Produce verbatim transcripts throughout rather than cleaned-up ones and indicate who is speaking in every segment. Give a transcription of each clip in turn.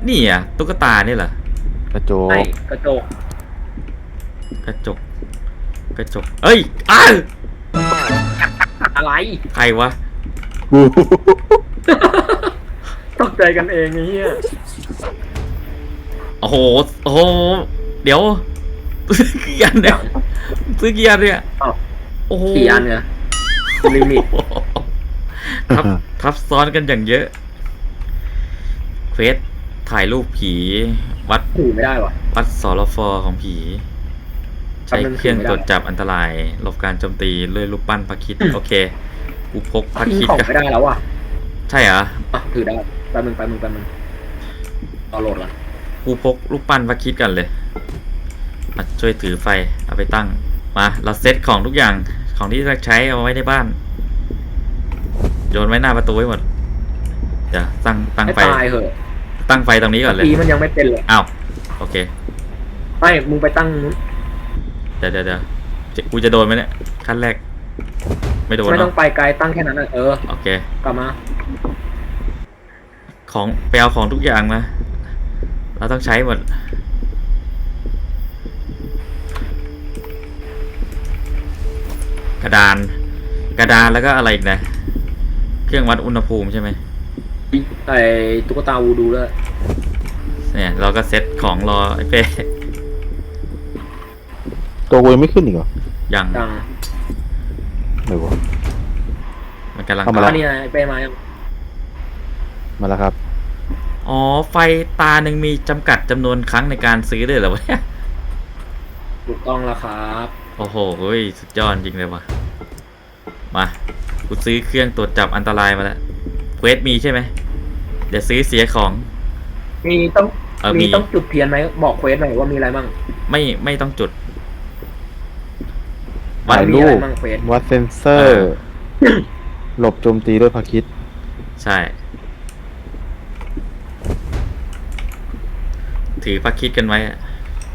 Speaker 1: นี่อ่ะตุ๊กตาเนี่ยเหรอก
Speaker 2: ระโจ
Speaker 3: ไอ้
Speaker 2: ก
Speaker 3: กระจก
Speaker 1: กระจกกระจกเอ้ยอ้าว
Speaker 3: อะไร
Speaker 1: ใครวะ
Speaker 2: กู
Speaker 3: ตกใจกันเองไอ้เหี้ย
Speaker 1: โอ้โหโอ้โหเดี๋ยวซื้อกี่อันเนี่ยซื้อกี่อันเนี่ย
Speaker 3: อ้าว
Speaker 1: โอ้โห
Speaker 3: กี่อันเนี่ยลิมิต
Speaker 1: ทับทับซ้อนกันอย่างเยอะเควสถ่ายรูปผีวัด
Speaker 3: ถือไม่ได้วะ
Speaker 1: วัดสรฟของผี ใช้เครื่องตรวจจับอันตรายหลบการโจมตีด้วยรูปปั้นพระคริดโอเคกูพกพระ
Speaker 3: ทิ้ง
Speaker 1: คริด
Speaker 3: ของ
Speaker 1: กัน
Speaker 3: ไม่ได้แล้วว่ะ
Speaker 1: ใช่เหรอ
Speaker 3: อ่ะถือได้แป๊บนึงแป๊บนึงแป๊บนึงเอาโหลดก่อน
Speaker 1: กูพกรูปปั้นพระคริดกันเลยมาช่วยถือไฟเอาไปตั้งมาเราเซตของทุกอย่างของที่จะใช้เอาไว้ในบ้านโยนไว้หน้าประตูไว้หมดเดี๋ยวตั้งตั้ง
Speaker 3: ให้
Speaker 1: ไฟ
Speaker 3: ตายเหอะ
Speaker 1: ตั้งไฟตรงนี้ก่อนเลย
Speaker 3: ปีมันยังไม่เป็นเลย
Speaker 1: อ้าวโอเค
Speaker 3: ไม่มึงไปตั้งนู้น
Speaker 1: เดี๋ยวเดี๋ยวเดี๋ยวจะกูจะโดนไหมเนี่ยขั้นแรกไม่โดน
Speaker 3: ไม่ต้อ
Speaker 1: เนาะ
Speaker 3: งไปไกลตั้งแค่นั้นน่ะเออ
Speaker 1: โอเค
Speaker 3: กลับมา
Speaker 1: ของไปเอาของทุกอย่างมาเราต้องใช้หมดกระดานกระดานแล้วก็อะไรอีกนะเครื่องวัดอุณหภูมิใช่ไหม
Speaker 3: ไอ้ตุ๊กตาวูดูด้วย
Speaker 1: เนี่ยเราก็เซ็ตของรอไอ้เป้
Speaker 2: ตัวกูยังไม่ขึ้นอีกเหรอ
Speaker 1: ยัง
Speaker 3: ดัง
Speaker 2: ไหนวะ
Speaker 1: มันกำลัง
Speaker 2: เอามา
Speaker 3: อั
Speaker 2: ละ
Speaker 3: นนี้ไอ้เป้มายัง
Speaker 2: มาแล้วครับ
Speaker 1: อ๋อไฟตาหนึ่งมีจำกัดจำนวนครั้งในการซื้อด้วยเหรอวะเนี่ย
Speaker 3: ถูกต้องแล้วครับ
Speaker 1: โอ้โหเฮ้ยสุดยอดจริงเลยวะมากูซื้อเครื่องตรวจจับอันตรายมาแล้วเควสมีใช่ไหมเดี๋ยวซื้อเสียของ
Speaker 3: มีต้อง
Speaker 1: เออมี
Speaker 3: มีต้องจุดเทียนไหมบอกเควสหน่อยว่ามีอะไรบ้าง
Speaker 1: ไม่ไม่ต้องจุด
Speaker 2: ถ่าย
Speaker 3: มี
Speaker 2: รู
Speaker 3: อะไร
Speaker 2: ป
Speaker 3: บ้างเควส
Speaker 2: วัดเซนเซอ
Speaker 1: เอ
Speaker 2: ร์
Speaker 1: อ
Speaker 2: หลบโจมตีด้วยพระคริด
Speaker 1: ใช่ ถือพระคริดกันไว้อะ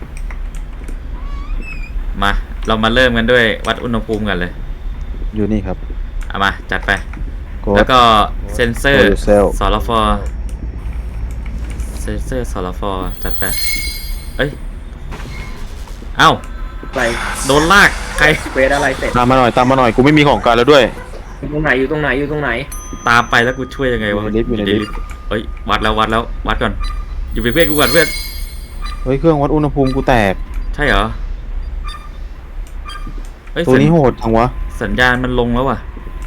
Speaker 1: มาเรามาเริ่มกันด้วยวัดอุณหภูมิกันเลย
Speaker 2: อยู่นี่ครับ
Speaker 1: เอามาจัดไป
Speaker 2: ก
Speaker 1: แล้ว
Speaker 2: ด
Speaker 1: ก็เซนเซอร์
Speaker 2: Show yourself
Speaker 1: สรฟเซนเซอร์สรฟจัดไปเอ้ยเอ้า
Speaker 3: อะไร
Speaker 1: โดนลากใคร
Speaker 3: เควสอะไรเสร็จ
Speaker 2: ตามมาหน่อยตามมาหน่อยกูไม่มีของกลารแล้วด้วย
Speaker 3: อยู่ตรงไหนอยู่ตรงไหนอยู่ตรงไหน
Speaker 1: ตามไปแล้วกูช่วยยังไงวะ
Speaker 2: อยู่ในลิฟต์อยู่ในลิฟต์
Speaker 1: เฮ้ยวัดแล้ววัดแล้ววัดก่อนอยู่เป็นเพื่อนกูก่อนเพื่อน
Speaker 2: เฮ้ยเครื่องวัดอุณหภูมิกูแตก
Speaker 1: ใช่เหรอเฮ้ย
Speaker 2: ตัวนี้
Speaker 1: สัญ
Speaker 2: โหดจังวะ
Speaker 1: สัญญาณมันลงแล้วว่ะ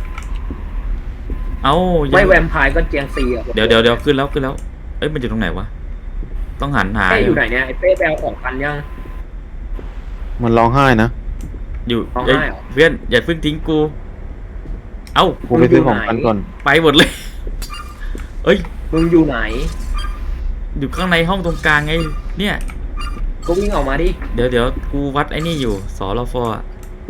Speaker 1: เอ้ายัง
Speaker 3: ไม่แวมไพร์ก็เจียงซีอ่ะ
Speaker 1: เดี๋ยวเดี๋ยวเดี๋ยวขึ้นแล้วขึ้นแล้วเอ้ยมันอยู่ตรงไหนวะต้องหันหา
Speaker 3: เป้อยู่ไหนเนี่ยไอ้เป้ไปเอาของกันยัง
Speaker 2: มันร้องไห้นะ
Speaker 1: อยู่
Speaker 3: ร้อง
Speaker 1: เอ้ย
Speaker 3: ไห้เหรอ
Speaker 1: เพื่อนอย่าเพิ่งทิ้งกูเอ้า
Speaker 2: กูไปซื้อของกันก่อน
Speaker 1: ไปหมดเลยเอ้ย
Speaker 3: มึงอยู่ไหน
Speaker 1: อยู่ข้างในห้องตรงกลางไงเนี่ย
Speaker 3: ก็วิ่งออกมาดิ
Speaker 1: เดี๋ยวเดี๋ยวกูวัดไอ้นี่อยู่สรฟอะ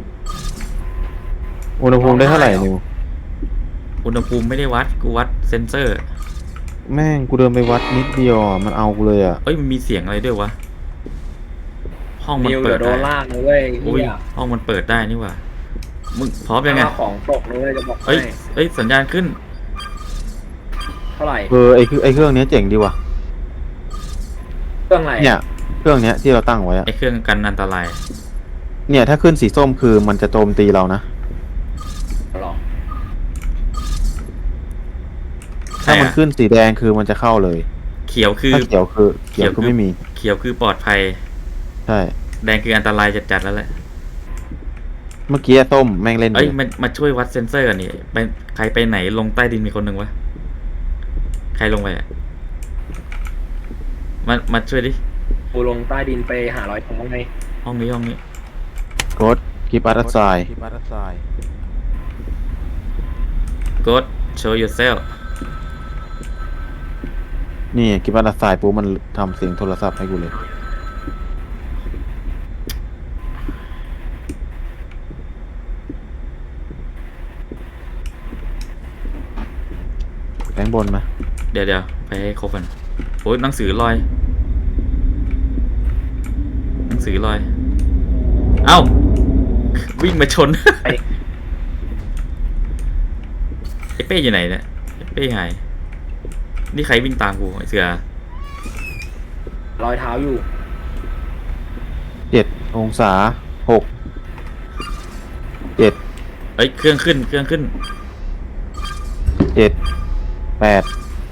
Speaker 2: อุณหภูมิได้เท่าไหร่นิว
Speaker 1: อุณหภูมิไม่ได้วัดกูวัดเซนเซอร์
Speaker 2: แม่งกูเดินไปวัดนิดเดียวอ่ะมันเอากูเลยอ่ะ
Speaker 1: เอ้ยมันมีเสียงอะไรด้วยวะห้องมัน
Speaker 3: นิว
Speaker 1: เปิ
Speaker 3: เดี๋ย
Speaker 1: ด
Speaker 3: วโด
Speaker 1: ได้
Speaker 3: นลากนะเว้ย
Speaker 1: อุ้ย
Speaker 3: เฮีย
Speaker 1: ห้องมันเปิดได้นี่หว่ามึงพร้อมยังไง
Speaker 3: เอาของตกนะเว้ยจะบอกให้
Speaker 1: เอ้ยเอ้ยสัญญาณขึ้น
Speaker 3: เท่าไหร่
Speaker 2: เออไอคือไอเครื่องเนี้ยเจ๋งดีว่ะ
Speaker 3: เครื่องอะไร
Speaker 2: เนี่ยเครื่องเนี้ยที่เราตั้งไว้อะ
Speaker 1: ไอ้เครื่องกันอันตราย
Speaker 2: เนี่ยถ้าขึ้นสีส้มคือมันจะโจมตีเรานะ
Speaker 3: หรอ
Speaker 2: ถ้ามันขึ้นสีแดงคือมันจะเข้าเลย
Speaker 1: เขียวคือ
Speaker 2: ถ้าเขียวคือเขียวคือไม่มี
Speaker 1: เขียวคือปลอดภัย
Speaker 2: ใช่
Speaker 1: แดงคืออันตรายจัดๆแล้วแหละ
Speaker 2: เมื่อกี้ส้มแม่งเล่น
Speaker 1: เอ้ย
Speaker 2: อยู่
Speaker 1: มามาช่วยวัดเซนเซอร์กันนี่ไปใครไปไหนลงใต้ดินมีคนหนึ่งวะใครลงไปอะมามาช่วยดิ
Speaker 3: กูลงใต้ดินไปหารอยท้องไง
Speaker 1: ห้องนี้ห้องนี้
Speaker 2: กดคีปอัตไซ
Speaker 1: go show yourself
Speaker 2: นี่คีปอัตไซปุ๊บมันทำเสียงโทรศัพท์ให้กูเลยแบงค์บนไหม
Speaker 1: เดี๋ยวเดี๋ยวไปให้ครบกันโอ้ยหนังสือลอยหนังสือลอยเอ้าวิ่งมาชน
Speaker 3: ไอ้
Speaker 1: ไอ้เป้อยู่ไหนเนี่ยไอ้เป้หายนี่ใครวิ่งตามกูไอ้เสือ
Speaker 3: รอยเท้าอยู่
Speaker 2: เจ็ดองศาหกเจ็ด
Speaker 1: เอ้ยเครื่องขึ้นเครื่องขึ้น
Speaker 2: เจ็ดแปด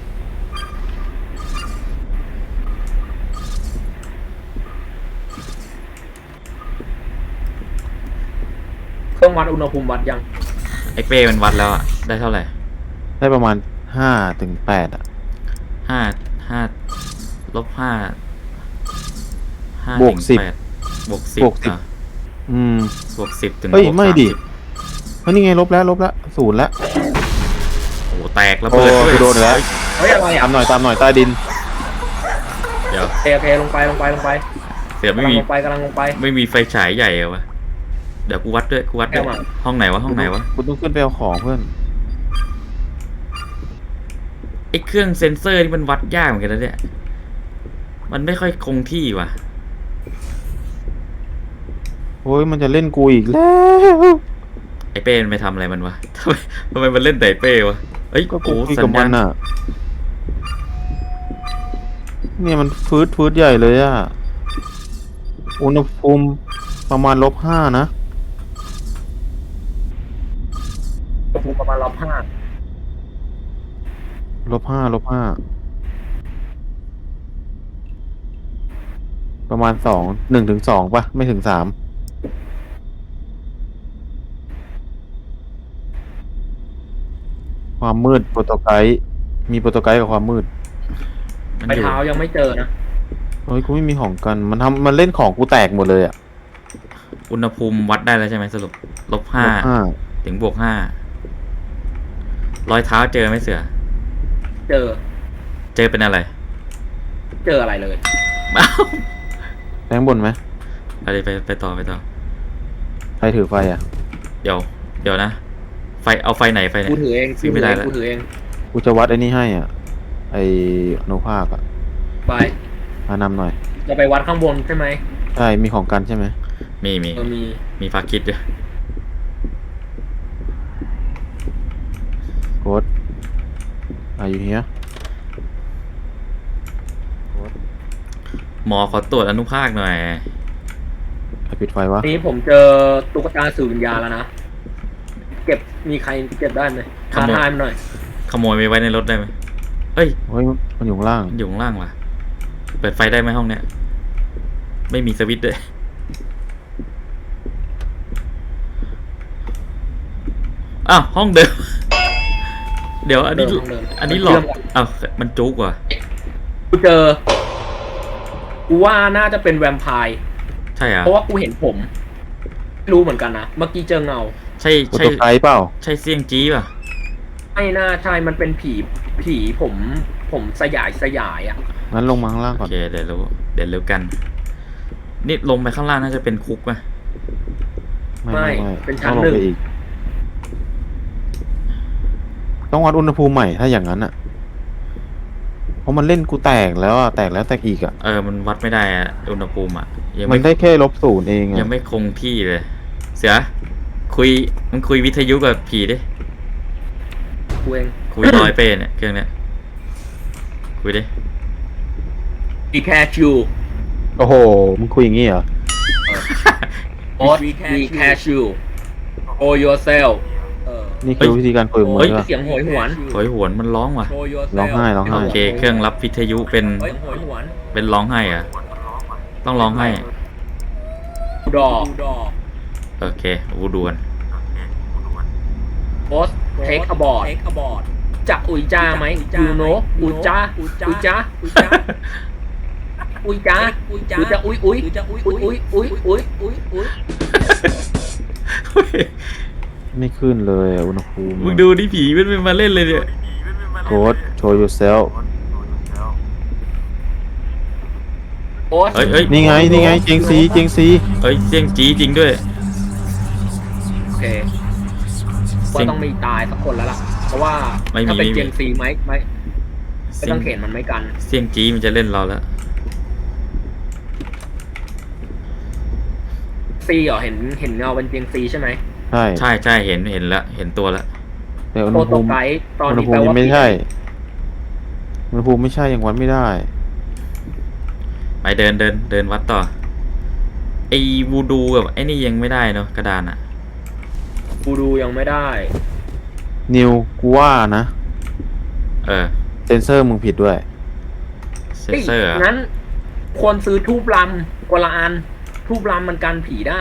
Speaker 3: เครื่องวัดอุณหภูมิวัดยัง
Speaker 1: ไอ้เป้มันวัดแล้วอะได้เท่าไหร่
Speaker 2: ได้ประมาณห้าถึงแปดอ่ะ
Speaker 1: ห้าห้าลบห้าห้า
Speaker 2: บวก
Speaker 1: ถึง
Speaker 2: สิบ
Speaker 1: แปดบวกสิบบ
Speaker 2: วกสิบ
Speaker 1: อ่ะ
Speaker 2: อืม
Speaker 1: บวกสิบถึง
Speaker 2: เฮ้ย
Speaker 1: บวก
Speaker 2: ไม่ดิ
Speaker 1: สาสิบ
Speaker 2: เฮ้ยนี่ไงลบแล้วลบแล้วศูนย์แล้ว
Speaker 1: โอ้โหแตกระเบิด
Speaker 2: โอ้
Speaker 1: ด้วย
Speaker 2: กูโดนแล้ว
Speaker 3: เฮ้ยอะไร
Speaker 2: ตา
Speaker 3: อ่ะ
Speaker 2: มหน่อยตามหน่อยใต้ดิน
Speaker 1: เดี๋ยว
Speaker 3: โอเคโอเคลงไปลงไปลงไป
Speaker 1: เสือก
Speaker 3: ำ
Speaker 1: ไม่
Speaker 3: ลัง
Speaker 1: มี
Speaker 3: ลงไปกำลังลงไป
Speaker 1: ไม่มีไฟฉายใหญ่เหรอวะเดี๋ยวกูวัดด้วยกูวัดด้วย
Speaker 3: แก้วมา
Speaker 1: ห้องไหนวะห้องไหนวะ
Speaker 2: คุณต้องขึ้นไปเอาของเพื่อน
Speaker 1: ไอ้เครื่องเซ็นเซอร์นี่มันวัดยากเหมือนกันนะเนี่ยมันไม่ค่อยคงที่ว่ะ
Speaker 2: โอ้ยมันจะเล่นกูอีกแล้ว
Speaker 1: ไอ้เป้มันไปทำอะไรมันวะ ทำไมทำไมมันเล่นแต่ไอ้เป้วะเอ้ย
Speaker 2: ก็กู
Speaker 1: โอ้
Speaker 2: คุย
Speaker 1: สั
Speaker 2: กับ
Speaker 1: ญ
Speaker 2: มั
Speaker 1: ญาณ
Speaker 2: นอ่ะ เนี่ยมันฟืดฟืดใหญ่เลยอ่ะ อุณหภูมิประมาณลบห้านะ
Speaker 3: อุณหภูมิประมาณลบห้า
Speaker 2: ลบห้าลบห้าประมาณสองหนึ่งถึงสองปะไม่ถึงสามความมืดโปรโตไกด์มีโปรโตไกด์กับความมืด
Speaker 1: มัน
Speaker 3: ไป
Speaker 1: อยู่
Speaker 3: เท้ายังไม่เจอนะ
Speaker 2: เฮ้ยกูไม่มีของกันมันทำมันเล่นของกูแตกหมดเลยอ่ะ
Speaker 1: อุณหภูมิวัดได้แล้วใช่ไหมสรุปลบห้า
Speaker 2: ลบห้า
Speaker 1: ถึงบวกห้ารอยเท้าเจอไหมเสือ
Speaker 3: เจอ
Speaker 1: เจอเป็นอะไร
Speaker 3: เจออะไรเลย
Speaker 1: อ้าว
Speaker 2: แทงบนไหม
Speaker 1: ไปเลยไปไปต่อไปต่อ
Speaker 2: ใครถือไฟอ่ะ
Speaker 1: เดี๋ยว เดี๋ยวนะ ไฟเอาไฟไหนไฟไหน
Speaker 3: กูถือเอง
Speaker 1: ซื้อไม่ได้แล้ว
Speaker 3: กูถือเอง
Speaker 2: กูจะวัดไอ้นี่ให้อ่ะ ไออนุภาคอ่ะ
Speaker 3: ไป
Speaker 2: มานำหน่อย
Speaker 3: จะไปวัดข้างบนใช่ไหม
Speaker 2: ใช่ มีของกันใช่ไหม
Speaker 1: มีมี
Speaker 3: เออมี
Speaker 1: มีฟาคิดด้วย
Speaker 2: โค้ดอายุเฮีย
Speaker 1: หมอขอตรวจอนุภาคหน่อย
Speaker 2: ใครปิดไฟวะ
Speaker 3: นี้ผมเจอตุ๊กตาสื่อวิญญาณแล้วนะ เก็บมีใครเก็บได้ไหม
Speaker 1: ข
Speaker 3: ท้า
Speaker 1: โมย
Speaker 3: ทายมันหน่อย
Speaker 1: ขโมยไปไว้ในรถได้ไหมเอ้ย
Speaker 2: เฮ้ย มันอยู่ข้างล่าง
Speaker 1: มันอยู่ข้างล่างว่ะ เปิดไฟได้ไหมห้องเนี้ย ไม่มีสวิตช์ด้วย อ้าวห้องเดิม เดี๋ยวอันนี้
Speaker 3: เดิมเดิม
Speaker 1: อันนี้หลอกอ้าวมันจุกว่ะ
Speaker 3: กูเจอ กูว่าน่าจะเป็นแวมไพร์
Speaker 1: ใช่เหรอ่ะ
Speaker 3: เพราะว่ากูเห็นผมไม่รู้เหมือนกันนะ เมื่อกี้เจอเงา
Speaker 1: ใช่
Speaker 2: โปร
Speaker 1: ใช่
Speaker 2: โตไกด์เปล่า
Speaker 1: ใช่เสี่ยงจี้ป่ะ
Speaker 3: ไม่น่าใช่ มันเป็นผี ผีผม ผมสยายสยายอ่ะ
Speaker 2: งั้นลงมาข้างล่าง
Speaker 1: โอ
Speaker 2: ก่อน
Speaker 1: เคเดี๋ยวรู้เดี๋ยวรู้กัน นี่ลงไปข้างล่างน่าจะเป็นคุกป่ะ
Speaker 2: ไม่ไม่ไม่
Speaker 3: เป็นชั้
Speaker 2: ต้
Speaker 3: น
Speaker 2: องล
Speaker 3: หนึ่
Speaker 2: ง
Speaker 3: ง
Speaker 2: ไปอีก ต้องวัดอุณหภูมิใหม่ถ้าอย่างนั้นอ่ะ เพราะมันเล่นกูแตกแล้วอ่ะ แตกแล้วแตกอีกอ่ะ
Speaker 1: เออมันวัดไม่ได้อะอุณหภูมิอ่ะยัง
Speaker 2: มั
Speaker 1: ไม่
Speaker 2: นได้แค่ลบศูนย์เอง
Speaker 1: ยัง
Speaker 2: อ่ะ
Speaker 1: ไม่คงที่เลย เสือคุยมันคุยวิทยุกับผีดิ
Speaker 3: กูเอง
Speaker 1: คุยน้อยเป้เนี่ยเครื่องเนี้ยคุยดิ
Speaker 3: We catch you
Speaker 2: โอ้โห มึงคุยอย่างงี้เหรอ
Speaker 3: Boss We catch you Show yourself เออ
Speaker 2: นี่คือวิธีการคุยของมึง
Speaker 1: เฮ้ย
Speaker 2: ใช่ปะ
Speaker 3: เสียงโหยหวน
Speaker 1: โหยหวนมันร้องว่ะ
Speaker 3: Show yourself
Speaker 2: ร้องไห้ร้องไห้
Speaker 1: โอเค เครื่องรับวิทยุเป็น
Speaker 3: เฮ้ยโหยหวน
Speaker 1: เป็นร้องไห้อะต้องร้องไห้
Speaker 3: ดอ
Speaker 1: โอเควูดวน
Speaker 3: Boss take a board จะอุยจ้าไหม you know อุยจ้าอุยจ้าอุยจ้าอุยจ้าอุยจ้าอุยอุยอุยอุยอุยอุยอุยอุย
Speaker 2: ไม่ขึ้นเลยอะอุณหภูมิ
Speaker 1: มึงดูดิผีมันไม่มาเล่นเลยเนี่ย
Speaker 2: โค้ด show yourself
Speaker 3: Boss
Speaker 1: เฮ้ยเฮ้ย
Speaker 2: นี่ไง นี่ไง เจียงซีเจียงซี
Speaker 1: เฮ้ยเสียงจี้จริงด้วย
Speaker 3: โอเคว่าต้องมีตายสักคนแล้วล่ะ เพราะว่า
Speaker 1: ไม่มี
Speaker 3: ถ้าเป็น
Speaker 1: ไม่มี
Speaker 3: เจนซีไหมไม่ไม่
Speaker 1: เสีย
Speaker 3: ต้
Speaker 1: ง
Speaker 3: องเข็นมันไม่กัน
Speaker 1: เสียงจี้มันจะเล่นเราแล้ว
Speaker 3: ซีเหรอเห็นเห็นเงาเป็นเจนซีใช่ไหม
Speaker 2: ใช่
Speaker 1: ใช่ใช่เห็นเห็นแล้วเห็นตัวแล้ว
Speaker 2: แต่อุณ
Speaker 3: โป
Speaker 2: ห
Speaker 3: รโต
Speaker 2: ภูมิ
Speaker 3: ไกด์ตอน
Speaker 2: อุณห
Speaker 3: นี้
Speaker 2: ภู
Speaker 3: แปล
Speaker 2: มิยั
Speaker 3: ว่าง
Speaker 2: ไม่ใช่ อุณหภูมิไม่ใช่ยังวัดไม่ได้
Speaker 1: ยไปเดินเดินเดินวัดต่อไอ้วูดูกับไอ้นี่ยังไม่ได้เนาะกระดานอะ
Speaker 3: กูดูยังไม่ได้
Speaker 2: นิวกูว่านะ
Speaker 1: เออ
Speaker 2: เซนเซอร์มึงผิดด้วย
Speaker 1: เซนเซอร์อะ
Speaker 3: งั้นควรซื้อทูบลำกว่าละอัน ทูบลำมันกันผีได้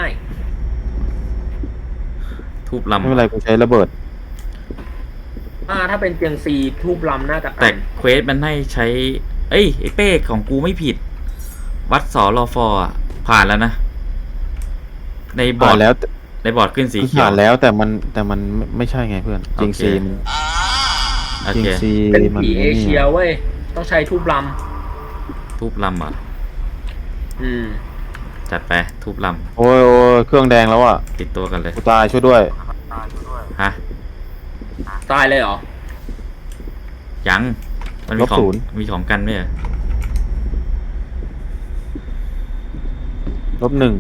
Speaker 1: ทูบลำ
Speaker 2: ไม่เป็นไรกูใช้ระเบิด
Speaker 3: อ่าถ้าเป็นเตียงซีทูบลำน่าจะ
Speaker 1: แต่
Speaker 3: กัน
Speaker 1: เควสมันให้ใช้ เอ้ยไอ้เป้ของกูไม่ผิด วัดสอรอฟออะผ่านแล้วนะ ในบอ
Speaker 2: ผ่า
Speaker 1: ร์
Speaker 2: น
Speaker 1: ด
Speaker 2: แล้ว
Speaker 1: ในบอร์ดขึ้นสีเขียว
Speaker 2: ผ่านแล้วแต่มันแต่มันไม่ไม่ใช่ไงเพื่อนจริง
Speaker 1: โอเค
Speaker 2: ซีมัน
Speaker 1: โอ
Speaker 2: จริง
Speaker 1: เค
Speaker 2: ซี
Speaker 3: เป็น
Speaker 2: มัน
Speaker 3: ผีเอ
Speaker 2: นี่
Speaker 3: เชียเว้ย ต้องใช้ทูบล
Speaker 1: ทูบลำเหรอ่ะ
Speaker 3: ำอืม
Speaker 1: จัดไปทูบล
Speaker 2: โอ้ยโอ้ยเครื่องแดงแล้วอ่ะ
Speaker 1: ำติดตัวกันเลย
Speaker 2: กูตายช่วยด้วย
Speaker 1: ฮะ
Speaker 3: ตายเลยเหรอ
Speaker 1: ยังมันมี
Speaker 2: ลบ
Speaker 1: ของ
Speaker 2: ศูนย์
Speaker 1: มีของกันไหมเหรอ
Speaker 2: ลบหนึ่ง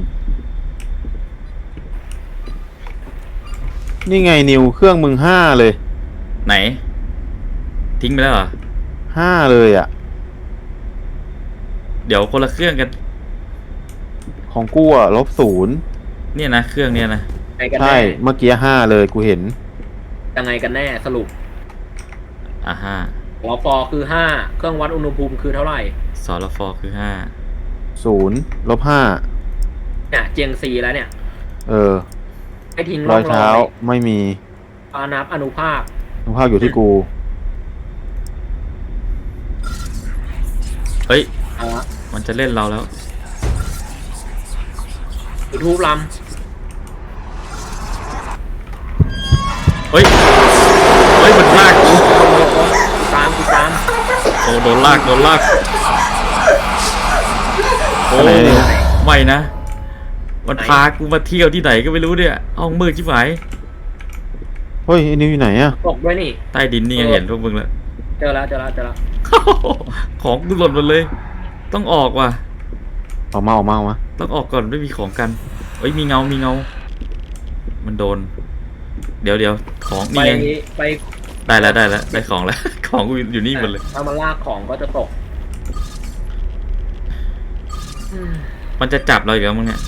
Speaker 2: นี่ไงนิวเครื่องมึงห้าเลย
Speaker 1: ไหน ทิ้งไปแล้วเหรอ
Speaker 2: ห้าเลยอ่ะ
Speaker 1: เดี๋ยวคนละเครื่องกัน
Speaker 2: ของกูอ่ะลบศูนย์
Speaker 1: เนี่ยนะเครื่องเนี่ยนะ
Speaker 3: ไงกัน
Speaker 2: ใช่
Speaker 3: แน่
Speaker 2: เมื่อกี้ห้าเลยกูเห็น
Speaker 3: ยังไงกันแน่สรุป
Speaker 1: อ่าห้า
Speaker 3: หัวฟอคือห้าเครื่องวัดอุณหภูมิคือเท่าไหร่
Speaker 1: สอรฟอคือห้า
Speaker 2: ศูนย์ลบห้า
Speaker 3: เนี่ยเจียงซีแล้วเนี่ย
Speaker 2: เออ
Speaker 3: ให้ทิ้ง
Speaker 2: ร
Speaker 3: ร่
Speaker 2: อ
Speaker 3: อย งร
Speaker 2: เท้า
Speaker 3: อย
Speaker 2: ไม่มี
Speaker 3: อานับอนุภาค
Speaker 2: นุภาพอยู่ที่กู
Speaker 1: เฮ้ย
Speaker 3: เอาละ
Speaker 1: มันจะเล่นเราแล้ว
Speaker 3: จุดทูบล
Speaker 1: เฮ้ย เฮ้ยมันลากกู
Speaker 3: ำตามกูตาม
Speaker 1: โอ้โดนลากโดนลากโอ้
Speaker 2: อะไรเนี่ย
Speaker 1: ไม่นะ มันพากูมาเที่ยวที่ไหนก็ไม่รู้เนี่ยห้องมืดชิบหาย
Speaker 2: เฮ้ยไอ้นิวอยู่ไหนอ่ะ
Speaker 3: ตกด้วยนี่
Speaker 1: ใต้ดินนี่ยังเห็นพวกมึงแล้ว
Speaker 3: เจอแล้วเจอแล้วเจอแล้ว
Speaker 1: ของกูหล่นหมดเลย ต้องออกว่ะ
Speaker 2: ออกมาออกมาออกมา
Speaker 1: ต้องออกก่อนไม่มีของกันเอ้ยมีเงา มีเงา มันโดน เดี๋ยวเดี๋ยวของ
Speaker 3: ไป
Speaker 1: นี่ไง
Speaker 3: ไป
Speaker 1: ได้แล้วได้แล้วได้ของแล้ว ของกูอยู่นี่หมดเลย
Speaker 3: ถ้ามันลากของก็จะตกอืม
Speaker 1: มันจะจับเราอีกแล้วมึงเนี่ย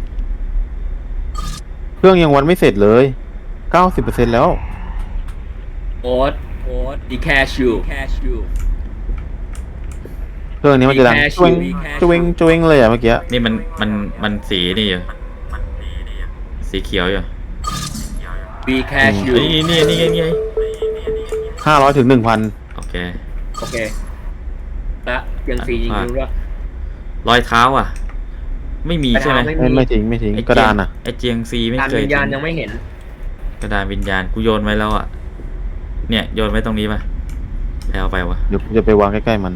Speaker 2: เครื่องยังวันไม่เสร็จเลยเก้าสิบเปอร์เซ็นต์แล้ว
Speaker 3: โอ๊ตโอ๊ตดีแคชูแคชู
Speaker 2: เครื่องนี้มันจะดัง
Speaker 3: มีแค่
Speaker 2: จวง
Speaker 3: มีแค่
Speaker 2: จวงจวงเลยอ่ะเมื่อกี้
Speaker 1: นี่มันมันมันสีนี่อยู่สีเขียวอยู่
Speaker 3: บีแคชู
Speaker 1: นี่นี่นี่ไงนี่ไง
Speaker 2: ห้าร้อยถึงหนึ่งพัน
Speaker 1: โอเค
Speaker 3: โอเคและยังสียิงรู้ว่า
Speaker 1: รอยเท้าอ่ะ ไม่มีใช่ไหม
Speaker 3: ไม่
Speaker 2: ไม่ไม่ทิ้งไม่ทิ้ง
Speaker 1: ไอ้
Speaker 2: กระดานอ่ะ
Speaker 1: ไอเจียงซีไม่
Speaker 3: การ
Speaker 1: เคย
Speaker 3: วิญญาณ
Speaker 1: ทิ้ง
Speaker 3: ยังไม่เห็น
Speaker 1: กระดานวิญญาณกูโยนไว้แล้วอ่ะ เนี่ยโยนไว้ตรงนี้ป่ะไปเอาไปวะ
Speaker 2: เดี๋ยวกูจะไปวางใกล้ๆมัน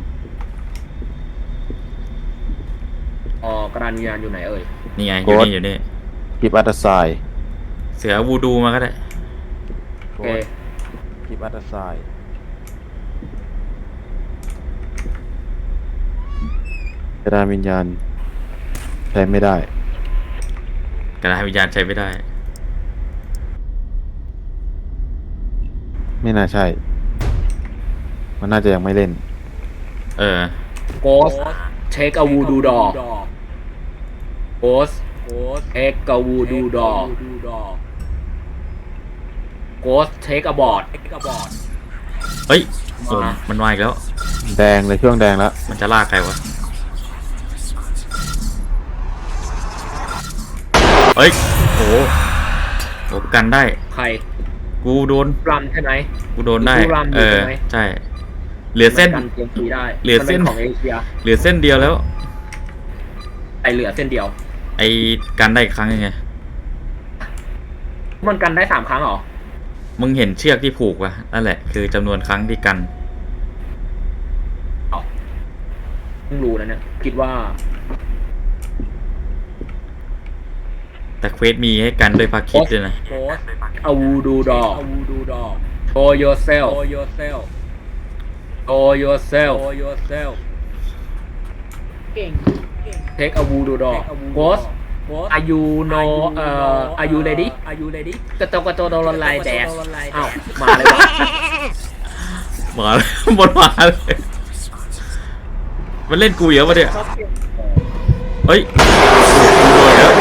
Speaker 3: อ๋อกระดานวิญญาณอยู่ไหนเอ่ย
Speaker 1: นี่ไงอยู่
Speaker 2: โกด
Speaker 1: นี่อยู่นี่
Speaker 2: กิบอัตไซ
Speaker 1: เสือวูดูมาก็ได้
Speaker 3: โอเค
Speaker 2: กิบอัตไซกระดานวิญญาณใช้ไม่ได้
Speaker 1: กระดานวิญญาณใช้ไม่ได้
Speaker 2: ไม่น่าใช่ มันน่าจะยังไม่เล่น
Speaker 1: เออ
Speaker 3: โกสเทคa วูดูดอโกสเทคa วูดูดอโกสเทคa บอร์ด
Speaker 1: เฮ้ยโอ้
Speaker 3: มา
Speaker 1: มันมาอีกแล้ว
Speaker 2: แดงเลยเครื่องแดงแล้ว
Speaker 1: มันจะลากใครวะ เฮ้ย โอ้โหโหกันได้
Speaker 3: ใคร
Speaker 1: กูโดน
Speaker 3: รำใช่ไหม
Speaker 1: กูโดนได้
Speaker 3: กูรำอยู่
Speaker 1: เออ
Speaker 3: ใช่ไหม
Speaker 1: ใช่ เหลือเส้น
Speaker 3: มักันเกมฟรีได้
Speaker 1: เหลือเส้น
Speaker 3: มัป็ของเอเชีย
Speaker 1: เหลือเส้นเดียวแล้ว
Speaker 3: ไอเหลือเส้นเดียว
Speaker 1: ไอ้กันได้อีกครั้งยังไง
Speaker 3: มันกันได้สามครั้งเหรอ
Speaker 1: มึงเห็นเชือกที่ผูกป่ะ นั่นแหละ คือจำนวนครั้งที่กัน
Speaker 3: เพิ่งรู้นะเนี่ย คิดว่า
Speaker 1: แต่เควสมีให้กันด้วยพาคิดด้วยนะ
Speaker 3: โพสอาวูดูดอโชว์ yourself show yourself take a voodoo doll ghost are you no เอ่อ are you ready กระโตกระโตโดนลายแดดอ้าวมาเลยวะ
Speaker 1: มาเลย หมดมาเลย มันเล่นกูเยอะปะเนี่ย
Speaker 3: อ๋อ
Speaker 1: เฮ้ยโดนแล้ว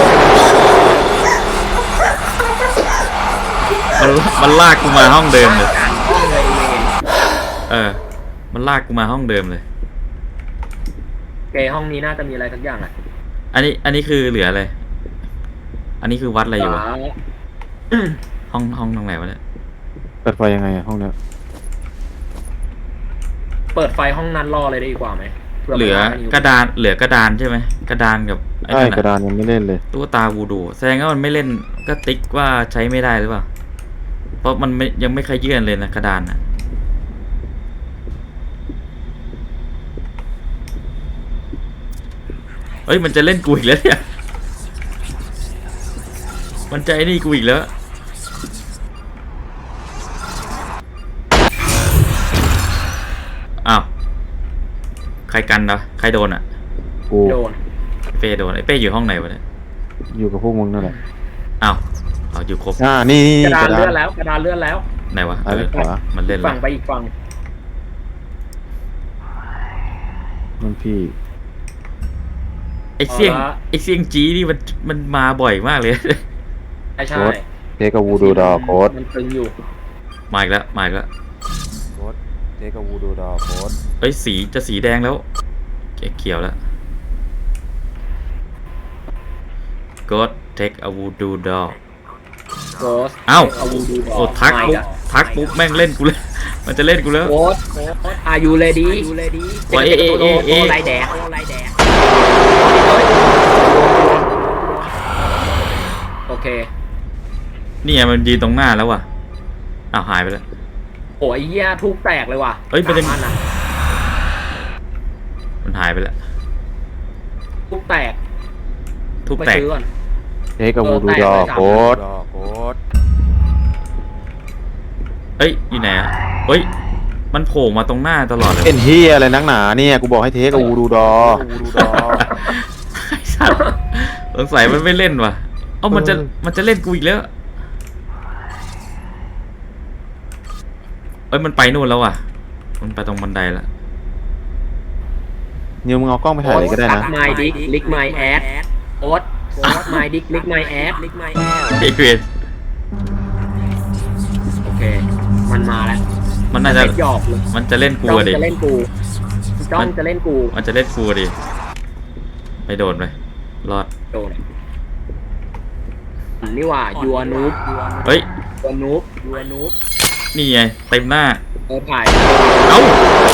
Speaker 1: มันมันลากกูมาห้องเดิมเลย
Speaker 3: ห้องเลยเวน
Speaker 1: เออ มันลากกูมาห้องเดิมเลย
Speaker 3: เกห้องนี้น่าจะมีอะไรสักอย่างอ่ะ
Speaker 1: อันนี้อันนี้คือเหลืออะไร อันนี้คือวัดอะไรอยู่วะห้องห้องตรงไหนวะเนี่ย
Speaker 2: เปิดไฟยังไงอะห้องเนี้ย
Speaker 3: เปิดไฟห้องนั้นรอเลยได้ดีกว่าไหมผื่
Speaker 1: เหลือ
Speaker 3: มัน
Speaker 1: กระดานเหลือกระดานใช่ไหมกระดานกับไอ้
Speaker 2: ใช่
Speaker 1: นั่น
Speaker 2: กระ
Speaker 1: อะ
Speaker 2: ดานยังไม่เล่นเลย
Speaker 1: ตุ๊กตาวูดูแสดงว่ามันไม่เล่นก็ติ๊กว่าใช้ไม่ได้หรือเปล่าเพราะมันไม่ยังไม่เคยยื่นเลยนะกระดานอะเฮ้ยมันจะเล่นกูอีกแล้วเนี่ยมันจะไอ้นี่กูอีกแล้วอ้าวใครกันนะใครโดนอ่ะ
Speaker 2: กู
Speaker 3: โดน
Speaker 1: ไอ้เป้โดนไอ้เป้อยู่ห้องไหนวะเนี่ย
Speaker 2: อยู่กับพวกมึงนั่นแหละ
Speaker 1: อ้าวเอาอยู่ครบ
Speaker 2: อ่านี่นี่
Speaker 3: กระ
Speaker 2: นี่
Speaker 3: ดานเลื่อนแล้วกระดานเลื่อนแล้ว
Speaker 1: ไหนวะ
Speaker 2: ซ้าย
Speaker 1: เอ
Speaker 2: ไป
Speaker 1: อ
Speaker 2: ขวา
Speaker 1: มันเล่นแล้
Speaker 3: ฝั่
Speaker 1: ว
Speaker 3: งไปอีกฝั่ง
Speaker 2: มันพี่
Speaker 1: ไอ้เสี่ยงไอ้เสี่ยงจีนี่มันมันมาบ่อยมากเลย
Speaker 3: ใช่ใช่
Speaker 2: เทกับวูดูดอโค้ด
Speaker 3: มันตึงอยู่
Speaker 1: มาอีกแล้วมาอีกแล้ว
Speaker 2: โค้ดเทกับวูดูดอโค้ด
Speaker 1: เอ้ยสีจะสีแดงแล้วเขียวแล้ว God take a voodoo doll
Speaker 3: โกส
Speaker 1: เอ้า
Speaker 3: เอาวูดู
Speaker 1: โอ้ทักปุ๊บทักปุ๊บแม่งเล่นกูเลย มันจะเล่นกูแล้ว
Speaker 3: โกสอายุเลดี้
Speaker 1: โอ้ยเอ๊ะเอ๊ะเอ๊ะ
Speaker 3: โไรแดกโอเค
Speaker 1: นี่ไงมันยืนตรงหน้าแล้วว่ะอ้าวหายไปแล้ว
Speaker 3: โอ้ยเหี้ยทุกแตกเลยว่ะ
Speaker 1: เอ้ยมันจะ
Speaker 3: สาอันอะ
Speaker 1: มันหายไปแล้ว
Speaker 3: ทุกแตก
Speaker 1: ทุบ
Speaker 3: ไป
Speaker 1: แตก
Speaker 3: ซื้อก่อน
Speaker 2: เทกับวูดูดอโค้ดโค้ด
Speaker 1: เอ้ยอยู่ไหนอ่ะเอ้ยมันโผล่มาตรงหน้าตลอดเลย
Speaker 2: เป็นเฮียอะไรนักหนาเนี่ยกูบอกให้เทกับวูดูดอวูดูดอ
Speaker 1: ไอ้สัตว์สงสัยมันไม่เล่นว่ะเอ้ามันจะ
Speaker 2: เออ
Speaker 1: มันจะเล่นกูอีกแล้วเอ้ยมันไปนู่นแล้วว่ะมันไปตรงบันไดละ
Speaker 2: นิวมึงเอากล้องไปถ่ายเลยก็ได้นะ
Speaker 3: ไมดิกลิกไมแอดโอ๊ตไมดิกลิกไมแอดลิกไมแอด
Speaker 1: ไอ้เวร
Speaker 3: โอเค มันมาแล้ว
Speaker 1: มันน่าจะ
Speaker 3: เป็นหยอกเลย
Speaker 1: มันจะเล่นกู
Speaker 3: จ้อง
Speaker 1: อะดิ
Speaker 3: จะเล่นกูจ้องจะเล่นกู
Speaker 1: มันจะเล่นกูอะดิไปโดนไปรอด
Speaker 3: โดนนี่ว่ายัวนูบ
Speaker 1: เฮ้ย
Speaker 3: ยัวนูบยัวนูบ
Speaker 1: นี่ไงเต็มหน้า
Speaker 3: เออถ่าย
Speaker 1: เอ้า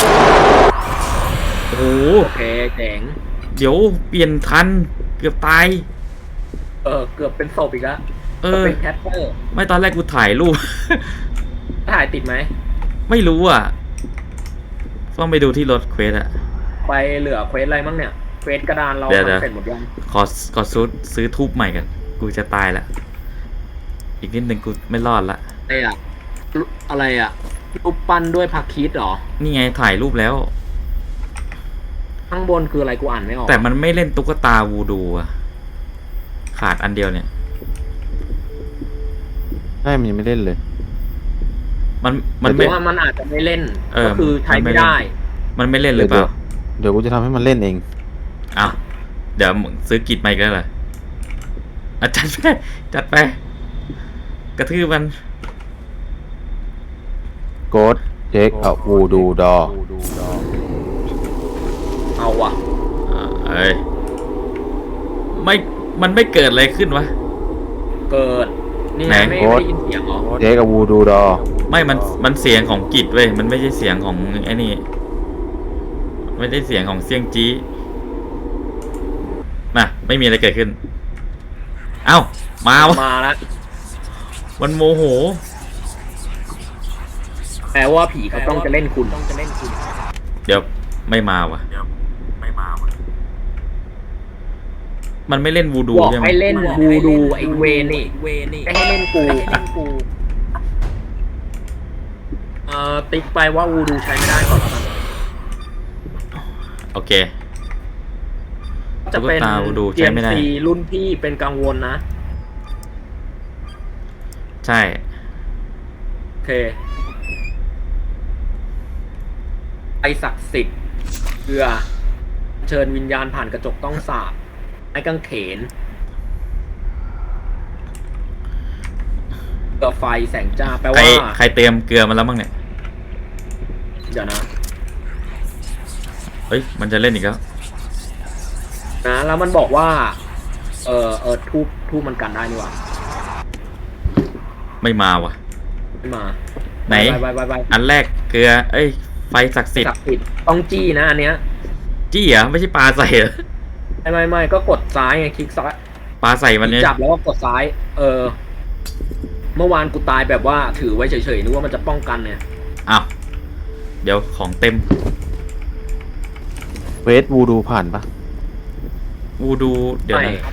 Speaker 1: โอ้โห
Speaker 3: โอเคเจ๋ง
Speaker 1: เดี๋ยวเปลี่ยนทันเกือบตาย
Speaker 3: เออเกือบเป็นศพอีกแล้ว
Speaker 1: เออ
Speaker 3: เป็นแคปเปอร์
Speaker 1: ไม่ตอนแรกกูถ่ายรูป
Speaker 3: ถ่ายติดไหม
Speaker 1: ไม่รู้อ่ะต้องไปดูที่รถเควสอะ
Speaker 3: ไปเหลือเควสอะไรมั่งเนี่ยเควสกระดานเรา
Speaker 1: เดี๋ยวเดี๋ยว
Speaker 3: ทำเสร็จหมดยัง
Speaker 1: ขอขอซื้อซื้อทูบใหม่กัน กูจะตายละอีกนิดหนึ่งกูไม่รอดละ
Speaker 3: อะไรอะอะไรอะรูปปั้นด้วยผักคีดเหรอ
Speaker 1: นี่ไงถ่ายรูปแล้ว
Speaker 3: ข้างบนคืออะไรกูอ่านไม่ออก
Speaker 1: แต่มันไม่เล่นตุ๊กตาวูดูอะขาดอันเดียวเนี่ย
Speaker 2: ใช่มันยังไม่เล่นเลย
Speaker 1: มันมัน
Speaker 3: หรื
Speaker 1: ไม่
Speaker 3: อว่ามันอาจจะไม่เล่น
Speaker 1: เออ
Speaker 3: ก็คือใช้
Speaker 1: มันไม่
Speaker 3: ไม่
Speaker 1: เล่น
Speaker 3: ได้
Speaker 1: มันไม่เล่นหรือเปล่า
Speaker 2: เดี๋ยวกูจะทำให้มันเล่นเอง
Speaker 1: อ้าวเดี๋ยวมึงซื้อกิจมาอีกแล้วเหรออ่ะจัดไปจัดไป กระทืบมัน
Speaker 2: โกดเทคกับวูดูดอ
Speaker 3: เอาว่ะ
Speaker 1: อ่าเอ้ยไม่มันไม่เกิดอะไรขึ้นวะ
Speaker 3: เกิด นี่
Speaker 1: ไหน
Speaker 3: ไงไม่ไม่ได้ยินเสียงเหรอ
Speaker 2: เทคกับวูดูดอ
Speaker 1: ไม่มันมันเสียงของกิจเว้ยมันไม่ใช่เสียงของไอ้นี่ไม่ได้เสียงของเสียงจี้น่ะไม่มีอะไรเกิดขึ้น เอ้ามาวะ
Speaker 3: มาแล้ว
Speaker 1: มันโมโห
Speaker 3: แปลว่าผีเขาต้องจะเล่นคุณต้องจะเล่นคุณ
Speaker 1: เดี๋ยวไม่มาวะไม่มาวะมันไม่เล่นวูดู
Speaker 3: บอก
Speaker 1: ใช่ไหม
Speaker 3: ให้เล่นวูดูไอ้เวนี่ไม่ให้เล่นกูเอ่อติ๊กไปว่าวูดูใช้ไม่ได้ก่อนแล้วกัน
Speaker 1: โอเค
Speaker 3: จะเป็น
Speaker 1: ตุ๊กตาวูดู
Speaker 3: เก
Speaker 1: ใช้
Speaker 3: ม
Speaker 1: ไม่ได้
Speaker 3: ซีรุ่นพี่เป็นกังวลนะ
Speaker 1: ใช่
Speaker 3: โอเคไอศักดิ์สิทธิ์เกลือ เชิญวิญญาณผ่านกระจกต้องสาบไม้กางเขนเกลือไฟแสงจ้าแปล
Speaker 1: ใคร
Speaker 3: ว่า
Speaker 1: ใครเตรียมเกลือมาแล้วบ้างเนี่ย
Speaker 3: เดี๋ยวนะ
Speaker 1: เฮ้ยมันจะเล่นอีกแล้ว
Speaker 3: นะแล้วมันบอกว่า เออเออทูบทูบมันกันได้นี่หว่า
Speaker 1: ไม่มาว่ะ
Speaker 3: ไม่มา
Speaker 1: ไหน
Speaker 3: ไปไปไปไป
Speaker 1: อันแรกเกลือ เอ้ย ไฟศักดิ์สิท
Speaker 3: ศั
Speaker 1: ธิ์
Speaker 3: กดิ์สิทธิ์ต้องจี้นะอันเนี้ย
Speaker 1: จี้เหรอไม่ใช่ปลาใส่เหรอ
Speaker 3: ไม่ไม่ไม่ก็กดซ้ายไงคลิกซ้าย
Speaker 1: ปลาใส่มันเนี่ย
Speaker 3: จับแล้วก็กดซ้าย เออ เมื่อวานกูตายแบบว่าถือไว้เฉยๆนึกว่ามันจะป้องกันเนี่ย
Speaker 1: อ้าวเดี๋ยวของเต็ม
Speaker 2: เวทวูดูผ่านปะ
Speaker 1: วูดูเดี๋ยว
Speaker 3: ไม่
Speaker 1: นะ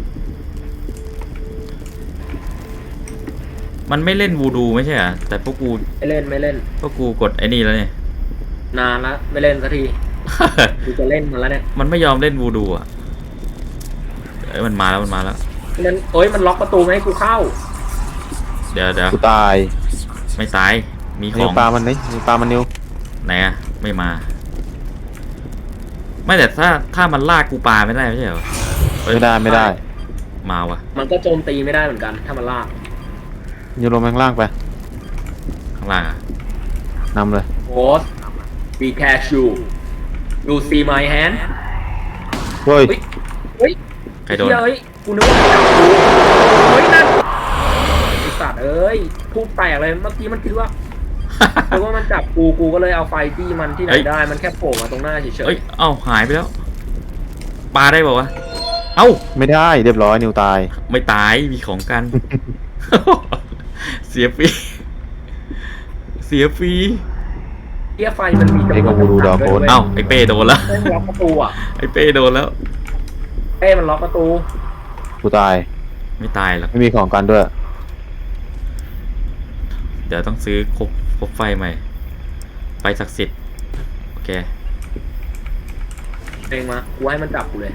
Speaker 1: มันไม่เล่นวูดูไม่ใช่เหรอแต่พวกกู
Speaker 3: ไม่เล่นไม่เล่น
Speaker 1: พวกกูกดไอ้นี่แล้วเนี่ย
Speaker 3: นานละไม่เล่นสักทีกูจะเล่นมันแล้วเนี่ย
Speaker 1: มันไม่ยอมเล่นวูดูอ่ะเอ้ยมันมาแล้วมันมาแล้ว
Speaker 3: เล่นโอ้ยมันล็อกประตูไม่ให้กูเข้า
Speaker 1: เดี๋ยวเดี๋ยว
Speaker 2: กูตาย
Speaker 1: ไม่ตายมีข
Speaker 2: นิ
Speaker 1: อ
Speaker 2: ว
Speaker 1: ง
Speaker 2: ปลามันนี่นิวปลามันนิว
Speaker 1: ไหนอะไม่มา ไม่แต่ถ้าถ้ามันลากกูปลาไม่ได้ไม่ใช่เหรอเอ้ย
Speaker 2: ไม่ได้ไม่ได้
Speaker 1: มาว่ะ
Speaker 3: มันก็โจมตีไม่ได้เหมือนกัน ถ้ามันลาก
Speaker 2: นิวลงไปข้างล่างไป
Speaker 1: ข้างล่างอะ
Speaker 2: นำเลย
Speaker 3: โอ๊ต be careful you see my hand
Speaker 2: เฮ้ย
Speaker 3: เฮ้ย เฮ้ย
Speaker 1: ใครโดน
Speaker 3: เฮ้ยกูนึกว่ามันจับกูเฮ้ยนั่นไอสัตว์เอ้ยพูดแปลกเลยเมื่อกี้มันคิดว่าคิดว่ามันจับกูกูก็เลยเอาไฟจี้มันที่ไหน
Speaker 1: เอ้ย
Speaker 3: ได้มันแค่โผล่มาตรงหน้าเฉย
Speaker 1: เอ้ยเอ้าหายไปแล้วปลาได้ป่าวะเอ้า
Speaker 2: ไม่ได้เรียบร้อยนิวตาย
Speaker 1: ไม่ตายมีของกัน เสียฟรีเสียฟรี
Speaker 3: ๆเทียไฟมันมีจำนวน
Speaker 2: เอ้ยก็กูดูดาวโพสต์
Speaker 1: เอ้าไอเป้โดนแล้ว
Speaker 3: เอ้ยมันล็อกประตูอ่ะ
Speaker 1: ไอเป้โดนแล้ว
Speaker 3: เอ้ยมันล็อกประตู
Speaker 2: กูตาย
Speaker 1: ไม่ตายหรอก
Speaker 2: ไม่มีของกันด้วย
Speaker 1: เดี๋ยวต้องซื้อครบครบไฟใหม่ไฟศักดิ์สิทธิ์โอเค
Speaker 3: เองมากูให้มันจับกูเลย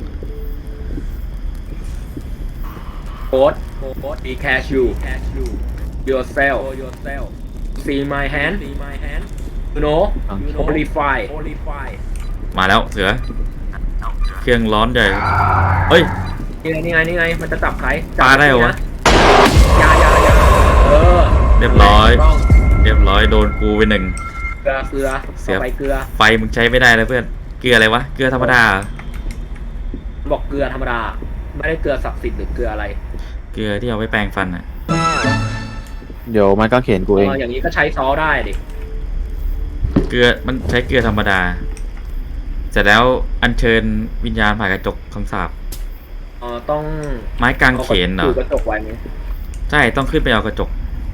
Speaker 3: โค้ดโค้ด be careful yourself see my hand you know amplify
Speaker 1: มาแล้วเสือ เครื่องร้อนใหญ่เฮ้ย
Speaker 3: นี่ไงนี่ไงนี่ไงมันจะจับใคร
Speaker 1: ปลาได้เหรอวะ
Speaker 3: ยายายาเออ
Speaker 1: เรียบร้อย เรียบร้อยโดนกูไปหนึ่ง
Speaker 3: เกลือเกลือ
Speaker 1: เสีย
Speaker 3: เอาไปเกลือ
Speaker 1: ไฟมึงใช้ไม่ได้แล้วเพื่อน เกลืออะไรวะ เกลือธรรมดาเหรอ
Speaker 3: บอกเกลือธรรมดา ไม่ได้เกลือศักดิ์สิทธิ์หรือเกลืออะไร
Speaker 1: เกลือที่เอาไว้แปรงฟันอ่ะ
Speaker 2: เดี๋ยวมันก็เขียนกูเอง
Speaker 3: เอออย่างนี้ก็ใช้ซอสได้ดิ
Speaker 1: เกลือมันใช้เกลือธรรมดา เสร็จแล้วอัญเชิญวิญญาณผ่านกระจกคำสาป
Speaker 3: เออต้อง
Speaker 1: ไม้กางเขนเหรอ
Speaker 3: ถือกระจกไว้ไหม
Speaker 1: ใช่ต้องขึ้นไปเอากระจก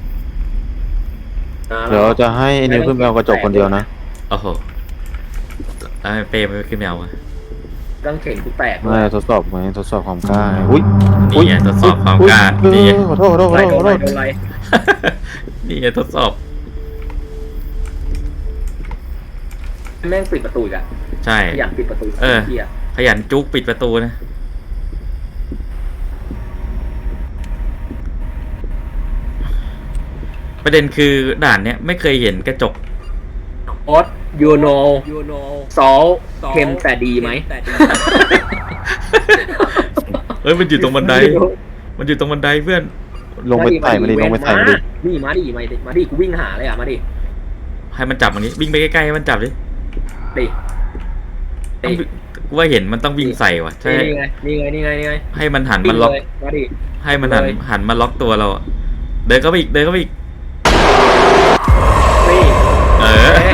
Speaker 3: นะ
Speaker 2: เดี๋ยวจะให้ไอ้นิวขึ้นไปเอากระจกคนเดียวนะ
Speaker 1: โอ้โหแล้วให้เป้ไปขึ้นไปเอาอะ
Speaker 3: กางเขนกูแตก
Speaker 2: ไม่ทดสอบไหมทดสอบความกล้าไงอุ้ย
Speaker 1: นี่ไงทดสอบความกล้า
Speaker 2: อุ๊ย
Speaker 1: นี่ไง
Speaker 2: ขอโทษขอโทษขอ
Speaker 3: อะไร
Speaker 2: โทษขอ
Speaker 3: โดน
Speaker 2: โท
Speaker 3: อะไร
Speaker 2: ษ
Speaker 3: โดนอะไร
Speaker 1: นี่ไงทดสอบ
Speaker 3: แม่งปิดประตูอีกอะ
Speaker 1: ใช่
Speaker 3: ขยันปิดประตู
Speaker 1: เออ
Speaker 3: เหี้ย
Speaker 1: ขยันจุกปิดประตูนะ ประเด็นคือด่านเนี้ยไม่เคยเห็นกระจก
Speaker 3: โอ๊ต you know ซอสเค็มแต่ดีไหม
Speaker 1: เฮ้ยมันอยู่ตรงบันได มันอยู่ตรงบันไดเพื่อน
Speaker 2: ลงไปใส่มาดิลงไปใส่มาดิ
Speaker 3: นี่มาดิมาดิมาดิกูวิ่งหาเลยอ่ะมาดิ
Speaker 1: ให้มันจับอย่างนี้ วิ่งไปใกล้ๆให้มันจับดิ
Speaker 3: ดิ
Speaker 1: ต้องวิ่งกูว่าเห็นมันต้องวิ่งใส่ว่ะ ใช่
Speaker 3: นี่ไงนี่ไงนี่ไงนี่ไง
Speaker 1: ให้มันหัน
Speaker 3: วิ่
Speaker 1: มั
Speaker 3: ง
Speaker 1: นล็อก
Speaker 3: เลยมาดิ
Speaker 1: ให้มันหัน
Speaker 3: เลย
Speaker 1: หันมาล็อกตัวเราอะเดินเข้าไปอีก เดินเข้าไปอีก
Speaker 3: นี่
Speaker 1: เออ
Speaker 3: เอ๊ะ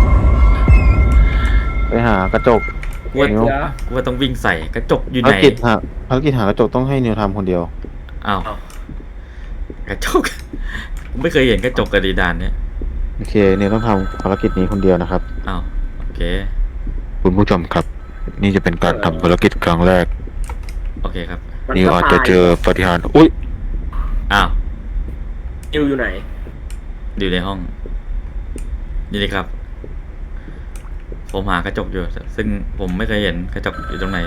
Speaker 2: ไปหากระจก
Speaker 1: กูว่า
Speaker 2: นิว
Speaker 1: กูว่าต้องวิ่งใส่กระจกอยู่
Speaker 2: ภา
Speaker 1: ไห
Speaker 2: ร
Speaker 1: น
Speaker 2: กิจหาภารกิจหากระจกต้องให้นิวทำคนเดียว
Speaker 1: อ้าวกระจก กูไม่เคยเห็นกระจกกระดีดานเนี่ย
Speaker 2: โอเคนิวต้องทำภารกิจนี้คนเดียวนะครับ
Speaker 1: อ้าวโอเค
Speaker 2: คุณผู้ชมครับ นี่จะเป็นการทำภารกิจครั้งแรก
Speaker 1: โอเคครับ
Speaker 3: มัน
Speaker 2: นิว
Speaker 3: ก็
Speaker 2: อาจ
Speaker 3: ตาย
Speaker 2: จะเจอปาฏิหารย์อุ้ย
Speaker 1: อ้าว
Speaker 3: นิวอยู่ไหน
Speaker 1: อยู่ในห้อง นี่เลยครับ ผมหากระจกอยู่ ซึ่งผมไม่เคยเห็นกระจกอยู่ตรงไหน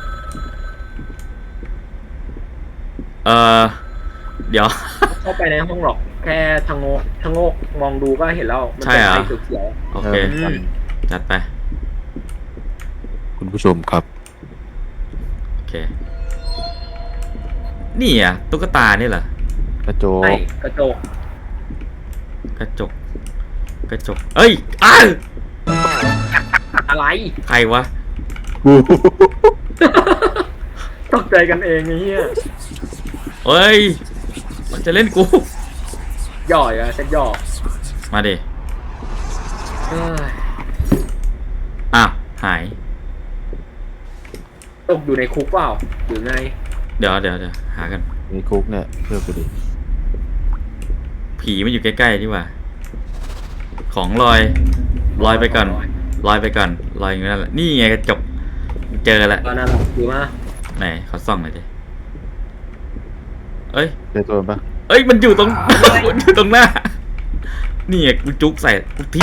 Speaker 1: เออเดี๋ยว
Speaker 3: เข้าไปในห้องหรอก แค่ทางโงกทางโงกมองดูก็เห็นแล้ว มัน
Speaker 1: ใช่
Speaker 3: เป็น
Speaker 1: เหรอ
Speaker 3: ไฟเขียว
Speaker 1: โอเค
Speaker 2: เออ
Speaker 3: อืม
Speaker 1: จัดไป
Speaker 2: คุณผู้ชมครับ
Speaker 1: เค นี่อ่ะตุ๊กตานี่เหรอก
Speaker 2: ระโจ
Speaker 3: ไอ้
Speaker 2: ก
Speaker 3: กระจก
Speaker 1: กระจก กระจก เอ้ยอ้าว
Speaker 3: อะไร
Speaker 1: ใครวะ
Speaker 2: กู
Speaker 3: ตกใจกันเองไอ้เหี้ย
Speaker 1: เฮ้ย มันจะเล่นกู
Speaker 3: หย่อยอะเซ็ตหย่อ
Speaker 1: มาดิ
Speaker 3: เอ้ย
Speaker 1: อ้าวหาย
Speaker 3: ตกอยู่ในคุกเปล่าหรือไง
Speaker 1: เดี๋ยวเดี๋ยวเดี๋ยวหากัน
Speaker 2: มีคุกเนี่ยเชื่อกูดิ
Speaker 1: ผีมันอยู่ใกล้ๆนี่หว่า ของลอยลอยไปก่อนลอยไปก่อนลอยอย่างนั้นแหละนี่ไงกระจกเจอแล้ว
Speaker 3: ตอนนั้นหรอคือว่า
Speaker 1: ไหนขอส่องหน่อยดิเอ้ย
Speaker 2: เจอตัวมันปะ
Speaker 1: เอ้ยมันอยู่ตรง มันอยู่ตรงหน้านี่ไงกูจุกใส่กูทิ้ง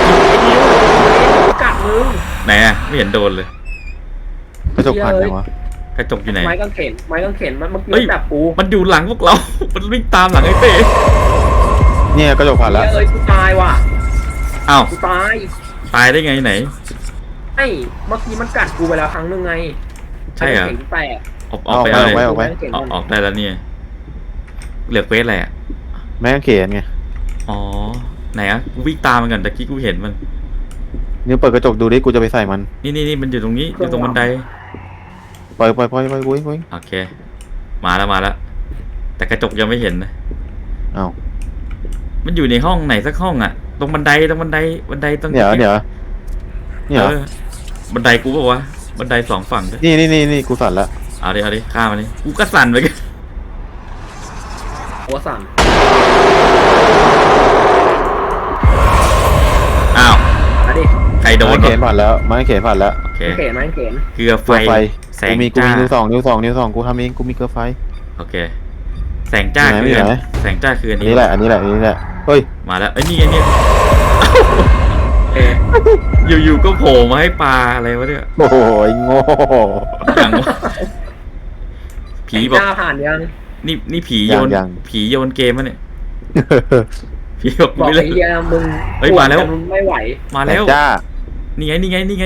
Speaker 3: กัดมึง
Speaker 1: ไหนอะไม่เห็นโดนเลย
Speaker 2: กระจกผ่านยังวะ
Speaker 1: กระจกอยู่ไหน
Speaker 3: ไม้กางเขนไม้กางเขนมันเมื่อ
Speaker 1: เฮ้ย
Speaker 3: กี้จับกู
Speaker 1: มันอยู่หลังพวกเรา มันวิ่งตามหลังไอ้เต้
Speaker 2: เนี่ยกระจกผ่านแล้ว
Speaker 3: เอ้ยกูตายว่ะ
Speaker 1: อ้าว
Speaker 3: กูตาย
Speaker 1: ตายได้ไงไหน
Speaker 3: ไอ้เมื่อกี้มันกัดกูไปแล้วครั้งหนึงไง
Speaker 1: ใช่เหรอ
Speaker 3: ไม้กางเขนแตก
Speaker 1: ออกออกไปเอาเลย
Speaker 2: ออกไป
Speaker 1: ออกออกได้แล้วเนี่ยเหลือเควสอะไรอะ
Speaker 2: แม่งเขนไง
Speaker 1: อ๋อไหนอะกูวิ่งตามมันก่อนตะกี้กูเห็นมัน
Speaker 2: นี่เปิดกระจกดูดิกูจะไปใส่มัน
Speaker 1: นี่นี่นี่มันอยู่ตรงนี้อยู่ตรงบันได
Speaker 2: ปล่อยปล่อยปล่อยปล่อยกูเองกูเอง
Speaker 1: โอเค มาแล้วมาแล้ว แต่กระจกยังไม่เห็นนะ
Speaker 2: อ้าว
Speaker 1: มันอยู่ในห้องไหนสักห้องอะตรงบันไดตรงบันไดบันไดตรง
Speaker 2: เดี๋ยวเดี๋ยวเนี่ยเหรอ
Speaker 1: ออบันไดกูบอกว่าวะบันไดสองฝั่งด้วย
Speaker 2: นี่นี่นี่นี่กูสั่นละ
Speaker 1: เอาดิเอาดิข้ามมาดิกูก็สั่นไปกัน
Speaker 3: หัวสั่น
Speaker 1: อ้าว
Speaker 3: มาดิ
Speaker 1: ใครโดน
Speaker 2: ไม้เขน
Speaker 1: วะ
Speaker 2: ผ่านแล้วไม้เขนผ่านแล้ว
Speaker 1: โอเค
Speaker 3: ไม้เขนไม้เขน
Speaker 1: เกลือไฟ
Speaker 2: เกลือไฟ
Speaker 1: แส
Speaker 2: กู
Speaker 1: ง
Speaker 2: มีกู
Speaker 1: จ้า
Speaker 2: มีนิ้วสองนิ้วสองนิ้วสองกูทำเองกูมีเกลือไฟ
Speaker 1: โอเค แสงจ้า
Speaker 2: ไหน
Speaker 1: คือ
Speaker 2: ไม่ไหน
Speaker 1: แสงจ้าคืออัน
Speaker 2: อัน
Speaker 1: นี้
Speaker 2: นี้แหละอันนี้แหละอันนี้แหละเฮ้ย
Speaker 1: มาแล้วเอ้ยนี่ไงนี่
Speaker 3: เอ
Speaker 1: อยู่ๆก็โผล่มาให้ปลาอะไรวะเนี่ย
Speaker 2: โอ้โหไอ้โง่
Speaker 1: อย่างวะผีบอก
Speaker 3: จ้าผ่านยัง
Speaker 1: นี่นี่ผีโยนผีโยนเกมมะเนี่ยผีบอก
Speaker 3: บอก
Speaker 1: ไม่เล่
Speaker 3: ไอ้
Speaker 1: น
Speaker 3: เหี้ยมึง
Speaker 1: เฮ้ยมาแล้ว
Speaker 3: มึงไม่ไหว
Speaker 1: มา
Speaker 2: แต่
Speaker 1: แล้ว
Speaker 2: จ้า
Speaker 1: นี่ไงนี่ไงนี่ไง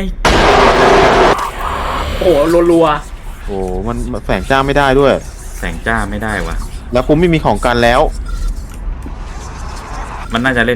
Speaker 3: โอ้โหรัว
Speaker 2: โอ้มันมันแฝงจ้าไม่ได้ด้วย
Speaker 1: แสงจ้าไม่ได้วะ
Speaker 2: แล้วกูไม่มีของกันแล้ว
Speaker 1: มันน่าจะเล่น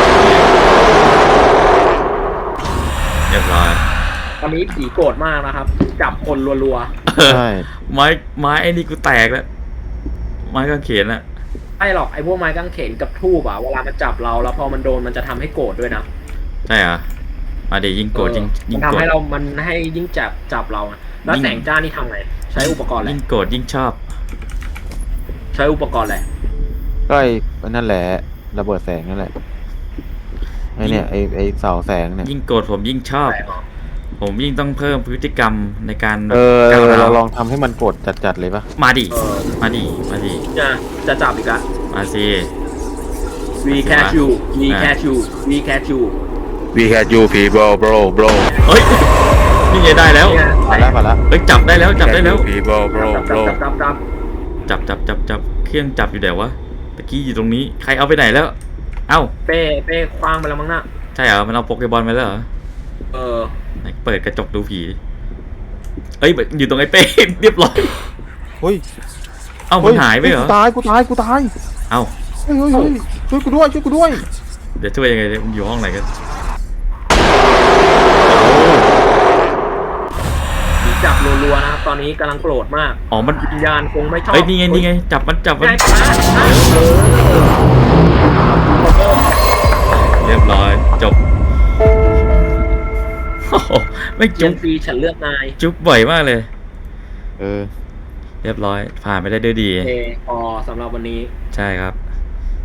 Speaker 1: เรียบร้อย
Speaker 3: ๆตอนนี้ผีโกรธมากนะครับ จับคนรัว
Speaker 2: ใช่
Speaker 1: ไม้ไม้ไอ้นี่กูแตกแล้วไม้กางเขนอะ
Speaker 3: ๆไม่หรอกไอ้พวกไม้กางเขนกับทูบอะเวลามันจับเราแล้วพอมันโดนมันจะทำให้โกรธด้วยนะ
Speaker 1: ใช่เหรอมาเดี๋ยวยิงโกรธยิง
Speaker 3: เออ
Speaker 1: ยิ
Speaker 3: มั
Speaker 1: ง
Speaker 3: นทำ
Speaker 1: โกรธ
Speaker 3: ให้เรามันให้ยิ่งจับจับเราอะแล้ว
Speaker 1: ยิ่ง
Speaker 3: แสงจ้านี่ทำไงใช้อุปกรณ์อะไร
Speaker 1: ยิ่งโกรธยิ่งชอบ
Speaker 3: ใช้อุปกรณ์อะไร
Speaker 2: ก็ไอ้นั่นแหละระเบิดแสงนั่นแหละไอ้เนี่ยไอ้ไอ้เสาแสงเนี่ย
Speaker 1: ยิ่งโกรธผมยิ่งชอบ
Speaker 3: แสงเหรอ
Speaker 1: ผมยิ่งต้องเพิ่มพฤติกรรมในการ
Speaker 2: เออเอ
Speaker 1: ก้าว
Speaker 2: อ
Speaker 1: ร้า
Speaker 2: เรา
Speaker 1: ว
Speaker 2: ลองทำให้มันกดจัดๆเลยปะ
Speaker 1: มาดิ
Speaker 3: เออ
Speaker 1: มาดิมาดิ
Speaker 3: จะจะจับอีกละ
Speaker 1: มาสิ
Speaker 3: we catch you we catch you we catch you
Speaker 2: We had you people bro bro
Speaker 1: เฮ้ยนี่ไงได้แล้ว
Speaker 3: เนี่ย
Speaker 2: มาแล้วมาแล้ว
Speaker 1: เฮ้ยจับได้แล้วจับได้แล้ว
Speaker 2: people
Speaker 3: จับจับจับจับจับ
Speaker 1: จับจับจับจับเครื่องจับอยู่ไหนวะตะกี้อยู่ตรงนี้ใครเอาไปไหนแล้ว เอ้า
Speaker 3: เป้เป้คว้างไปแล้วมั้งน่ะ
Speaker 1: ใช่เหรอมันเอาโปเกบอลไปแล้วเหรอ
Speaker 3: เออ
Speaker 1: ไหนเปิดกระจกดูผีเอ้ยอยู่ตรงไอ้เป้ เรียบร้อย
Speaker 2: เฮ้ย
Speaker 1: เอ้ามันหายไปเหรอ
Speaker 2: กูตายกูตายกูตาย
Speaker 1: เอ้า
Speaker 2: เฮ้ยเฮ้ยเฮ้ยช่วยกูด้วยช่วยกูด้วย
Speaker 1: เดี๋ยวช่วยยังไงเนี่ยมันอยู่ห้องไหนกัน
Speaker 3: ผีจับรัวๆนะครับตอนนี้กำลังโกรธมาก
Speaker 1: อ๋อมัน
Speaker 3: วิญญาณคงไม่ชอบ
Speaker 1: เอ้ยนี่ไงนี่ไงจับมันจับมัน
Speaker 3: ได้ปะเออ
Speaker 1: เรียบร้อยจบโอ้โหไม่
Speaker 3: เจ
Speaker 1: จุ๊
Speaker 3: น
Speaker 1: บ
Speaker 3: ซีฉันเลือกนาย
Speaker 1: จุ๊บบ่อยมากเลย
Speaker 2: เออ
Speaker 1: เรียบร้อยผ่านไปได้ด้วยดี
Speaker 3: โอเคพอสำหรับวันนี้
Speaker 1: ใช่ครับ